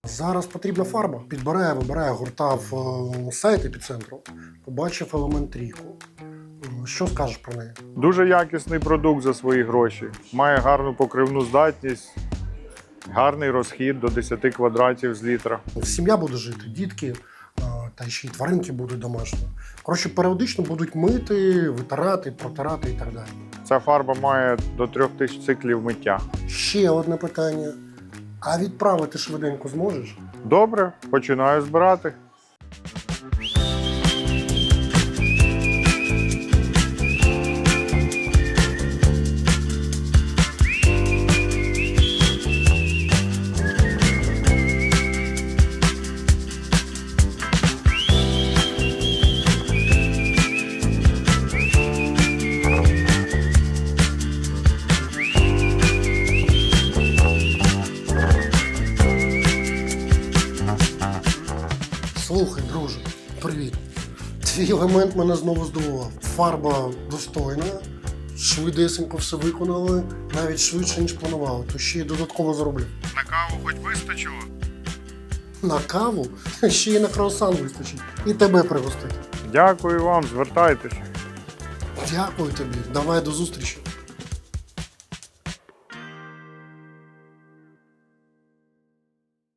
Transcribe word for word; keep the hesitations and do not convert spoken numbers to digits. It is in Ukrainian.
Зараз потрібна фарба. Підбирає, вибирає гурта в е, сайт епіцентру. Побачив елемент трійку. Е, Що скажеш про неї? Дуже якісний продукт за свої гроші. Має гарну покривну здатність, гарний розхід до десяти квадратів з літра. Сім'я буде жити, дітки, е, та ще й тваринки будуть домашні. Коротше, періодично будуть мити, витирати, протирати і так далі. Ця фарба має до трьох тисяч циклів миття. Ще одне питання. А відправити швиденько зможеш? Добре, починаю збирати. Слухай, друже, привіт. Твій елемент мене знову здивував. Фарба достойна, швидесенько все виконали, навіть швидше, ніж планували, то ще й додатково зароблю. На каву хоч вистачило? На каву ще й на круасан вистачить. І тебе пригостить. Дякую вам, звертайтеся. Дякую тобі. Давай до зустрічі.